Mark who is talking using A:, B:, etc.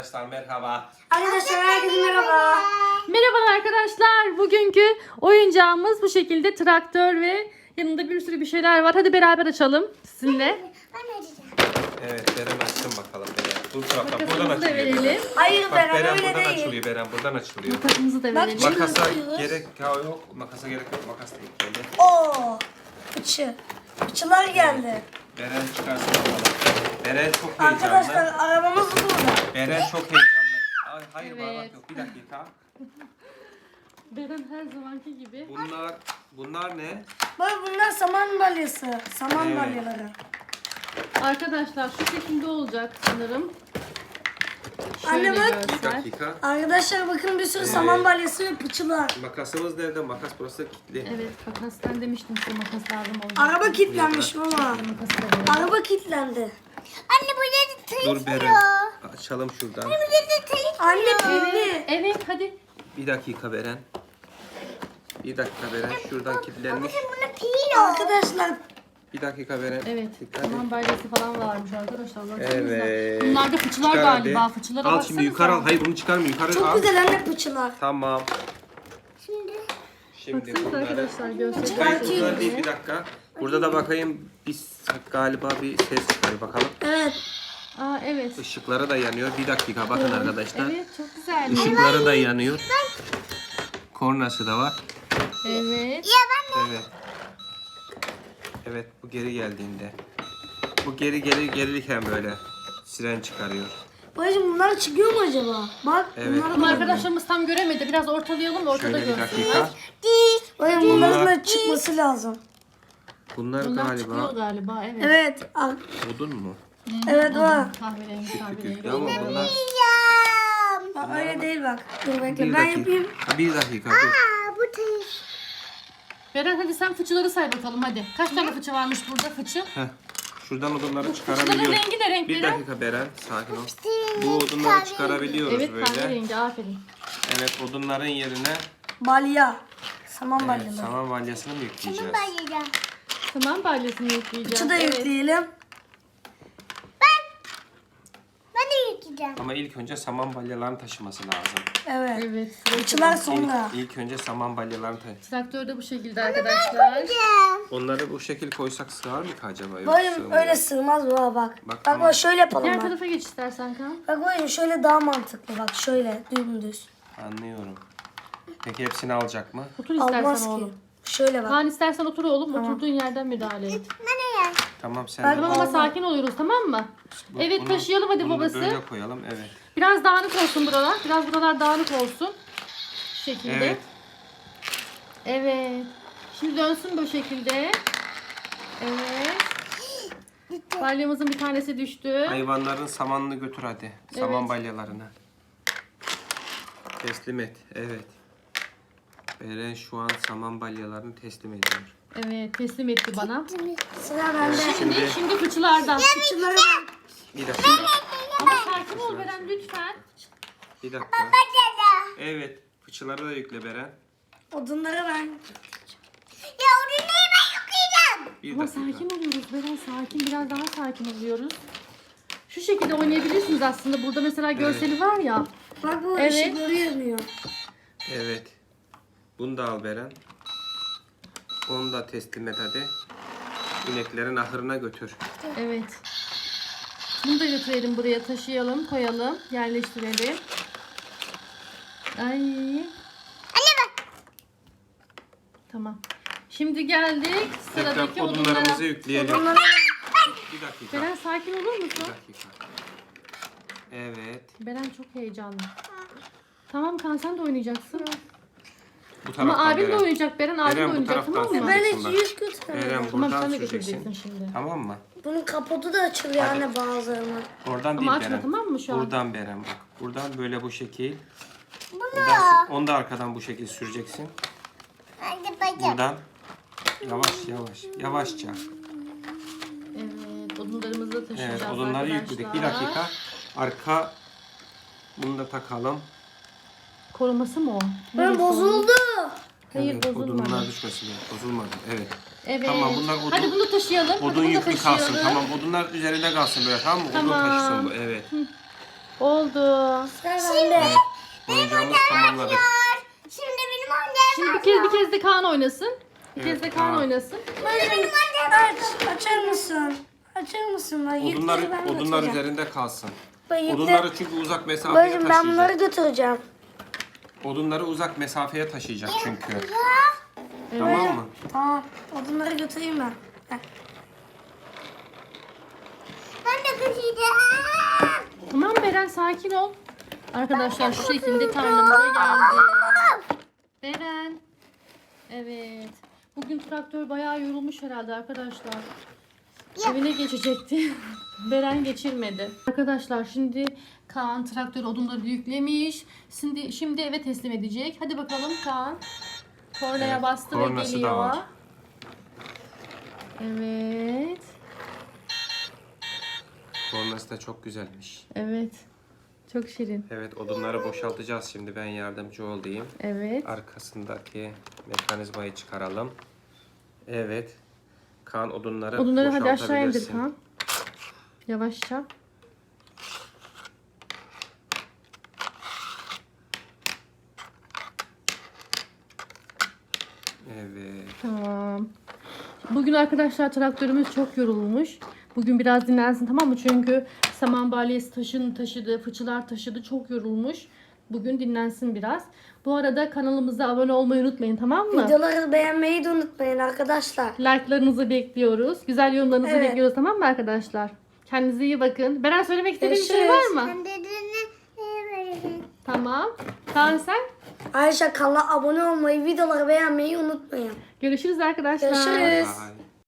A: Arkadaşlar merhaba.
B: Arkadaşlar herkese merhaba.
C: Merhaba arkadaşlar. Bugünkü oyuncağımız bu şekilde traktör ve yanında bir sürü bir şeyler var. Hadi beraber açalım sizinle.
B: Ben açacağım.
A: Evet Beren açsın bakalım Beren. Dur taraftan buradan
C: Makasımızı da
A: açılıyor.
C: verelim.
B: Hayır
A: Bak
B: Beren
A: Beren
B: öyle
A: buradan
B: değil.
A: açılıyor. Beren buradan açılıyor.
C: Makasımızı da
B: Bak,
C: verelim.
B: şimdi-
A: Makasa
B: açıyoruz.
A: gerek yok. Makasa gerek yok. Makas değil. Böyle.
B: Oo. Fıçı. Fıçılar geldi.
A: Beren çıkarsın bakalım. Beren çok heyecanlı.
B: Arkadaşlar arabamız burada.
A: Beren çok heyecanlı. Ay, hayır
C: Evet.
A: bağlantı yok. Bir dakika.
C: Beren her zamanki gibi.
A: Bunlar ne?
B: Bak bunlar saman balyası. Saman
A: Evet.
B: balyaları.
C: Arkadaşlar şu şekilde olacak sanırım.
B: Anne
C: Şöyle
B: bak.
A: Bir
C: göster.
A: dakika.
B: Arkadaşlar bakın bir sürü saman balyası ve fıçılar.
A: Makasımız nerede? Makas burası kilitli.
C: Evet makas, ben demiştim size makas lazım olacak.
B: Araba kilitlenmiş baba.
C: Makası da verelim.
B: Araba kilitlendi. Anne burada da
A: Dur Beren. Açalım şuradan.
B: Anne pilli.
C: Evet hadi.
A: Bir dakika Beren. Bir dakika Beren. Şuradan kilitlenmiş.
B: Arkadaşlar
A: Bir dakika Beren.
C: Evet.
A: Dikkat et.
C: Saman bayrası falan varmış arkadaşlar. Baksanıza.
A: Evet.
C: Bunlar da fıçılar
A: Çıkar
C: galiba.
A: hadi.
C: Fıçılara
A: Al
C: baksanıza.
A: şimdi yukarı al. Hayır bunu çıkarma. Yukarı
B: çok
A: al.
B: güzel anne fıçılar.
A: Tamam. Şimdi
C: Baksanıza
A: bunları.
C: arkadaşlar göstereyim.
A: Hayır
B: Çıkartayım.
A: bunlar değil bir dakika. Burada da bakayım galiba bir ses çıkıyor bakalım.
B: Evet.
C: Aa evet.
A: Işıkları da yanıyor. Bir dakika bakın arkadaşlar.
C: Evet çok güzel.
A: Işıkları da yanıyor. Kornası da var.
C: Evet.
A: Evet. Evet bu geri geldiğinde. Bu geri gelirken böyle siren çıkarıyor.
B: Babacım bunlar çıkıyor mu acaba? Bak
A: Evet.
B: bunlar
C: Ama
B: da
C: arkadaşlarımız tam göremedi. Biraz ortalayalım da ortada
A: Şöyle bir
C: görsünler.
A: dakika.
B: Babacım bunların da çıkması lazım.
A: Bunlar
C: Bunlar çıkıyor
A: galiba
C: galiba. Evet.
B: Evet.
A: odun mu?
B: Evet var.
C: Kahverengi
A: Yüklü
C: kahverengi.
A: ama bunlar
B: Bak öyle değil bak. Dur bekle
A: bir
B: ben
A: dakika.
B: yapayım.
A: Bir dakika dur.
C: Beren hadi sen fıçıları say bakalım hadi. Kaç tane fıçı varmış burada fıçı?
A: Heh. Şuradan odunları
C: Fıçıların
A: çıkarabiliyoruz.
C: rengi ne renk
A: Bir
C: Beren?
A: dakika Beren sakin ol. Bu odunları çıkarabiliyoruz
C: Evet
A: böyle.
C: kahverengi aferin.
A: Evet odunların yerine
B: Balya. Saman balyaları.
A: saman balyasını mı yükleyeceğiz?
C: Tamam balyasını yükleyeceğim.
B: Fıçı da yükleyelim.
A: Ama ilk önce saman balyalarını taşıması lazım.
B: Evet.
C: Evet.
B: Fıçılar sonra.
A: İlk önce saman balyalarını
C: Traktör de bu şekilde arkadaşlar.
A: Onları bu şekil koysak sığar mı ki acaba? Yok,
B: Babacım
A: sığmıyor.
B: öyle sığmaz baba bak.
A: Bak,
B: Bak
A: tamam.
B: bak şöyle yapalım
C: Diğer
B: bak.
C: tarafa geç istersen Kaan.
B: Bak babacım şöyle daha mantıklı bak şöyle dümdüz.
A: Anlıyorum. Peki hepsini alacak mı?
C: Otur istersen
B: Almaz ki.
C: oğlum.
B: Şöyle bak.
C: Kaan istersen otur oğlum. Oturduğun yerden müdahale et.
A: Tamam sen
B: Ben-
A: de
C: Tamam ama sakin oluyoruz tamam mı? Evet
A: bunu-
C: taşıyalım hadi
A: bunu
C: babası.
A: böyle koyalım evet.
C: Biraz dağınık olsun buralar. Biraz buralar dağınık olsun. Şu şekilde.
A: Evet.
C: Evet. Şimdi dönsün bu şekilde. Evet. Balyamızın bir tanesi düştü.
A: Hayvanların samanını götür hadi. Saman
C: Evet.
A: balyalarını. Teslim et. Evet. Beren şu an saman balyalarını teslim ediyor.
C: Evet teslim etti bana.
B: Sıra bende.
C: Şimdi fıçılardan.
B: Fıçıları bak.
A: Bir dakika.
C: Ama sakin ol Beren lütfen.
A: Bir dakika. Evet. Fıçıları da yükle Beren.
B: Odunları ben.
A: Bir
C: Ama
A: dakika.
C: sakin oluyoruz Beren sakin. Biraz daha sakin oluyoruz. Şu şekilde oynayabilirsiniz aslında. Burada mesela görseli var ya.
B: Bak bu
C: Evet.
B: ışıkları yanıyor.
A: Evet. Bunu da al Beren. Onu da teslim et hadi. İneklerin ahırına götür.
C: Evet. Bunu da götürelim buraya taşıyalım, koyalım, yerleştirelim. Ay. Tamam. Şimdi geldik sıradaki
A: Tekrar odunlarımızı
C: odunlara.
A: yükleyelim.
B: Odunları
A: Bir dakika.
C: Beren sakin olur
A: Bir
C: musun?
A: dakika. Evet.
C: Beren çok heyecanlı. Tamam Kaan sen de oynayacaksın.
A: Bu
C: Ama
A: taraftan
C: abim de
A: Beren.
C: oynayacak. Beren abim de
A: Beren bu
C: oynayacak
A: taraftan
C: tamam mı?
B: ben
A: süreceksin
B: hiç
A: bak.
B: yüz götürmedim.
A: Beren
C: Tamam
A: buradan
C: sen de
A: süreceksin.
C: götüreceksin şimdi.
A: Tamam mı?
B: Bunun kapotu da açılıyor anne bazılarına.
A: Oradan
C: Ama
A: değil
C: açma
A: Beren.
C: tamam mı şu an?
A: Buradan Beren bak. Buradan böyle bu şekil. Buradan, onu da arkadan bu şekil süreceksin. Buradan yavaş yavaş yavaşça.
C: Evet odunlarımızı da taşıyacağız
A: Evet odunları
C: arkadaşlar.
A: yükledik. Bir dakika. Arka bunu da takalım.
C: Koruması mı o?
B: Ben
C: Neresi o?
B: bozuldu.
C: Hayır
A: Evet,
C: bozulmadı.
A: odunlar düşmesin. Bozulmadı. Evet.
C: Evet.
A: Tamam, bunlar odun-
C: Hadi bunu taşıyalım. Hadi
A: Odun
C: bunu da
A: yüklü kalsın.
C: taşıyalım.
A: Tamam odunlar üzerinde kalsın böyle tamam mı? Odun
C: Tamam.
A: taşısın bu. Evet.
C: Oldu.
B: Şimdi.
A: Oyuncağımızı tamamladık.
B: Şimdi benim annem.
C: Şimdi bir kez de Kaan oynasın. Bir
A: Evet,
C: kez de Kaan
A: Kaan.
C: oynasın.
B: Açar mısın? Açar mısın? Bak,
A: Odunlar
B: yükleri ben
A: odunlar
B: götüreceğim.
A: üzerinde kalsın.
B: Bak, yükleri-
A: Odunları çünkü uzak mesafeye
B: Babacığım ben bunları
A: taşıyacak.
B: götüreceğim.
A: Odunları uzak mesafeye taşıyacak çünkü. Tamam mı?
B: Tamam. Odunları götüreyim ben. Heh. Ben de götüreceğim.
C: Tamam Beren, sakin ol. Arkadaşlar şu şekilde tarlamıza geldi. Beren. Evet. Bugün traktör bayağı yorulmuş herhalde arkadaşlar. Evine geçecekti. Beren geçirmedi. Arkadaşlar şimdi Kaan traktör odunları yüklemiş. Şimdi eve teslim edecek. Hadi bakalım Kaan. Kornaya
A: Evet,
C: bastı ve
A: kornası da
C: geliyor.
A: var.
C: Evet.
A: Kornası da çok güzelmiş.
C: Evet. Çok şirin.
A: Evet, odunları boşaltacağız şimdi. Ben yardımcı olayım.
C: Evet.
A: Arkasındaki mekanizmayı çıkaralım. Evet. Kaan odunları
C: Hadi aşağı indir
A: boşaltabilirsin.
C: Kaan. Yavaşça.
A: Evet.
C: Tamam. Bugün arkadaşlar traktörümüz çok yorulmuş. Bugün biraz dinlensin, tamam mı? Çünkü saman balyesi taşıdı, fıçılar taşıdı. Çok yorulmuş. Bugün dinlensin biraz. Bu arada kanalımıza abone olmayı unutmayın, tamam mı?
B: Videoları beğenmeyi de unutmayın arkadaşlar.
C: Like'larınızı bekliyoruz. Güzel yorumlarınızı
B: Evet.
C: bekliyoruz, tamam mı arkadaşlar? Kendinize iyi bakın. Beren, söylemek istediğin bir şey var
B: Görüşürüz.
C: mı? Tamam. Kaan sen?
B: Ayrıca kanala abone olmayı, videoları beğenmeyi unutmayın.
C: Görüşürüz arkadaşlar.
B: Görüşürüz.
A: Bye.